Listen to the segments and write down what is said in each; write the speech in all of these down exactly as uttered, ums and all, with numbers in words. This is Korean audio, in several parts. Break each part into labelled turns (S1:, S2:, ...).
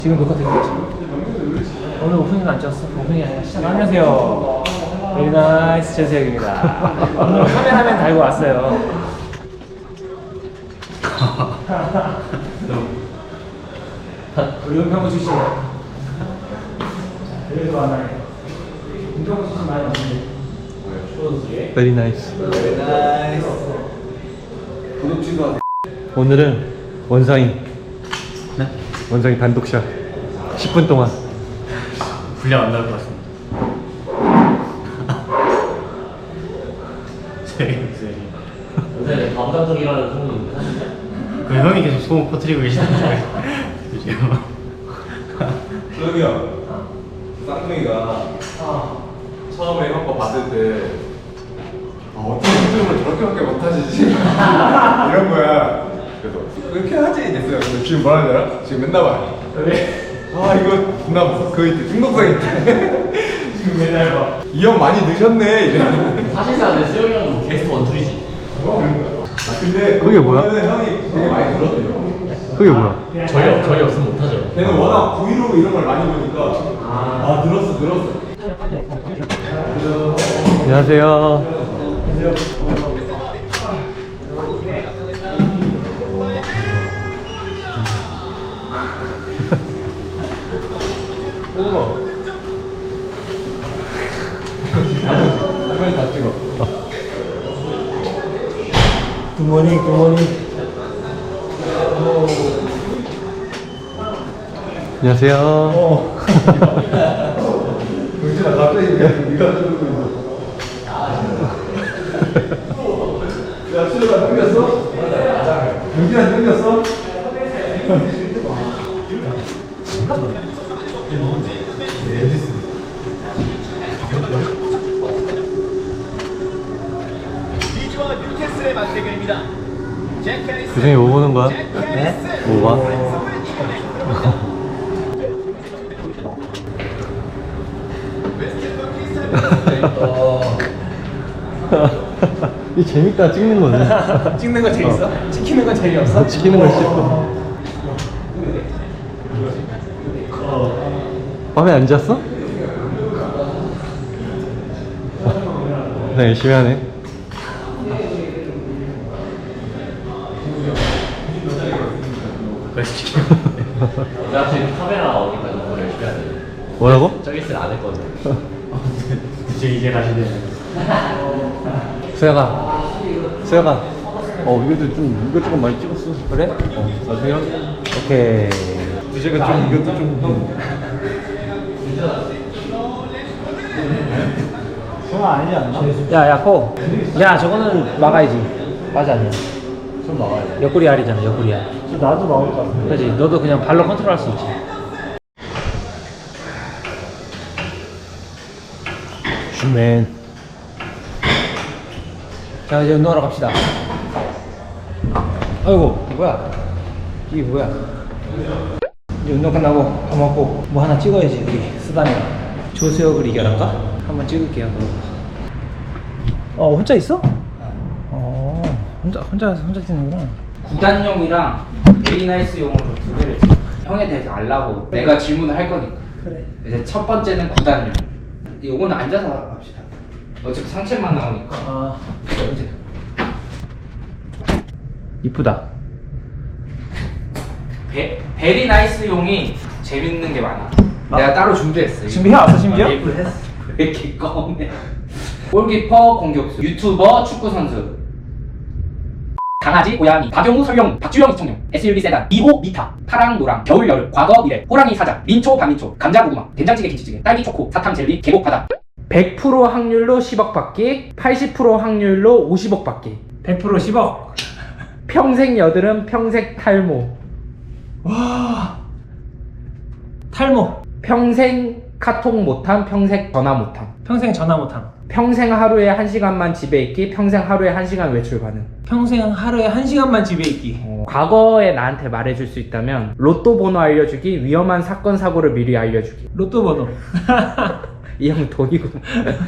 S1: 지금 녹화 되고 있지? 오늘 오프닝 안 찍었어? 오프닝이 아니라 시작. 안녕하세요. 베리나이스 재수혁입니다. 오늘 카메라맨 달고 왔어요. 우리 은평구 출신. 그래도 많아요. 은평구 출신 많이 왔는데.
S2: Very nice.
S3: Very nice. 구독지도
S2: 오늘은 원상이
S3: 네?
S2: 원상이 단독샷 십 분 동안
S3: 분량 안 나올 것 같습니다. 세리 세리.
S4: 요새 감감성이라는 소문이 있는데 사실이야?
S3: 그 형이 계속 소문 퍼뜨리고 계시는데 지금.
S5: 수혁이 형, 쌍둥이가 처음에 형 거 봤을 때 아, 어떻게 수줍음을 저렇게밖에 못하시지? 이런 거야. 그래서 그렇게 하지 됐어요. 근데 지금 뭐라 하냐? 지금 맨날 봐.
S1: 왜?
S5: 아 이거 나 무슨 그 있대 중독성 있대.
S1: 지금 맨날 봐.
S5: 이 형 많이 늦었네 이래.
S4: 사실상 내 수영이 형도 게스트 원툴이지.
S5: 아 근데
S2: 그게 뭐야?
S5: 보면은 형이 되게 많이 들었대요.
S2: 그게 뭐야?
S4: 저희, 저희 없으면 못하죠.
S5: 걔는 워낙 브이로그 이런 걸 많이 보니까 아 늘었어 늘었어.
S2: 안녕하세요.
S5: 빨리 다 찍어.
S1: 굿모닝 굿모닝.
S2: 안녕하세요.
S1: 어.
S5: 영진아 갑자기 네가 들고 있어. 야 수혁아 끊겼어? 영진아 끊겼어?
S6: 리즈와 뉴캐슬의 맞대결입니다.
S2: 규정이 뭐 보는 거야? 네? 뭐 봐? 이 재밌다 찍는 거는.
S1: 찍는 거 재밌어? 찍히는 건 재미없어?
S2: 찍히는 걸 찍고. 밤에 안 잤어? 나 열심히 하네.
S3: 그래서 지금
S4: 내가 지금 카메라 어디까지 너무 열심히 해야 돼.
S2: 뭐라고?
S4: 저기 있을 안 했거든.
S3: 이제 이제 가시네.
S2: 수혁아, 수혁아. 어 이것도 좀 이것 조금 많이 찍었어. 그래? 어 나중에 한- 오케이.
S5: 이제가 좀 이것도 좀
S1: 야야 코. 야 저거는 막아야지. 맞아 아니야.
S5: 좀 나와야 돼.
S1: 옆구리 알이잖아 옆구리 알. 나도 나올 것 같아. 그렇지. 너도 그냥 발로 컨트롤할 수 있지.
S2: 슈맨.
S1: 자 이제 운동하러 갑시다. 아이고 뭐야? 이게 뭐야? 이제 운동 끝나고 밥 먹고 뭐 하나 찍어야지 우리 쓰다니가. 조수혁을 이겨란가? 한번 찍을게요. 어 혼자 있어? 어 혼자 혼자 혼자 찍는구나.
S7: 구단용이랑 베리나이스용으로 두 개를 줘. 형에 대해서 알라고 내가 질문을 할 거니까.
S1: 그래.
S7: 이제 첫 번째는 구단용. 요거는 앉아서 합시다. 어차피 상체만 나오니까.
S1: 아
S7: 이제
S1: 이쁘다.
S7: 베, 베리나이스용이 재밌는 게 많아. 내가 따로 준비했어.
S1: 준비해 왔어 심지어?
S7: 아, 예쁘 했어. 왜 이렇게 껌해? 골키퍼, 공격수, 유튜버, 축구 선수. 강아지, 고양이, 박용우, 설영우, 박주영, 이청용, 에스유브이 세단, 이호, 미타, 파랑, 노랑, 겨울, 여름, 과거, 미래, 호랑이, 사자, 민초, 반민초, 감자, 고구마, 된장찌개, 김치찌개, 딸기, 초코, 사탕, 젤리, 계곡, 바다. 백 퍼센트 확률로 십억 받기, 팔십 퍼센트 확률로 오십억 받기.
S1: 백 퍼센트 십억.
S7: 평생 여드름, 평생 탈모.
S1: 와 탈모.
S7: 평생 카톡 못함, 평생 전화 못함.
S1: 평생 전화 못함.
S7: 평생 하루에 한 시간만 집에 있기, 평생 하루에 한 시간 외출 가능.
S1: 평생 하루에 한 시간만 집에 있기.
S7: 어, 과거에 나한테 말해줄 수 있다면 로또 번호 알려주기, 위험한 사건 사고를 미리 알려주기.
S1: 로또 번호.
S7: 이 형 돈이구나.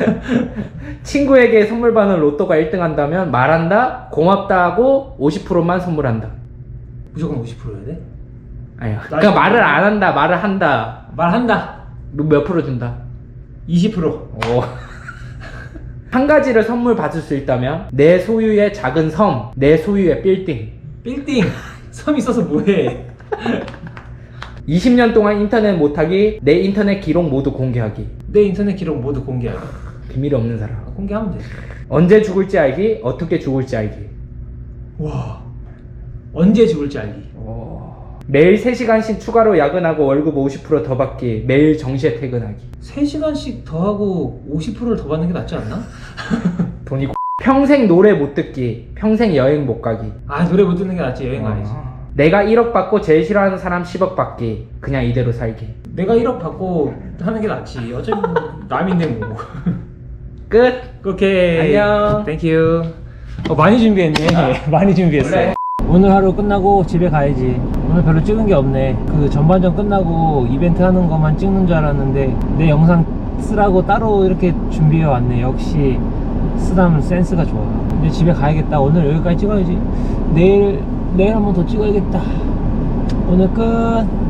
S7: 친구에게 선물 받는 로또가 일 등 한다면 말한다, 고맙다 하고 오십 퍼센트만 선물한다.
S1: 무조건 오십 퍼센트 해야 돼?
S7: 아니야. 그러니까 말을 안 한다, 말을 한다.
S1: 말한다.
S7: 너 몇 프로 준다?
S1: 이십 퍼센트.
S7: 오. 한 가지를 선물 받을 수 있다면 내 소유의 작은 섬, 내 소유의 빌딩.
S1: 빌딩. 섬 있어서 뭐해?
S7: 이십 년 동안 인터넷 못하기, 내 인터넷 기록 모두 공개하기.
S1: 내 인터넷 기록 모두 공개하기.
S7: 비밀이 없는 사람.
S1: 아, 공개하면 돼.
S7: 언제 죽을지 알기, 어떻게 죽을지 알기.
S1: 와. 언제 죽을지 알기.
S7: 매일 세 시간씩 추가로 야근하고 월급 오십 퍼센트 더 받기, 매일 정시에 퇴근하기.
S1: 세 시간씩 더 하고 오십 퍼센트를 더 받는 게 낫지 않나?
S7: 돈이 평생 노래 못 듣기, 평생 여행 못 가기.
S1: 아, 노래 못 듣는 게 낫지. 여행 가야지.
S7: 내가 일억 받고 제일 싫어하는 사람 십억 받기, 그냥 이대로 살기.
S1: 내가 일억 받고 하는 게 낫지. 어차피 뭐 남인데 뭐.
S7: 끝.
S1: 오케이.
S7: 안녕.
S1: 땡큐. 어, 많이 준비했네. 많이 준비했어.
S7: 원래-
S1: 오늘 하루 끝나고 집에 가야지. 오늘 별로 찍은 게 없네. 그 전반전 끝나고 이벤트 하는 것만 찍는 줄 알았는데 내 영상 쓰라고 따로 이렇게 준비해 왔네. 역시 쓰담 센스가 좋아. 이제 집에 가야겠다. 오늘 여기까지 찍어야지. 내일 내일 한번 더 찍어야겠다. 오늘 끝.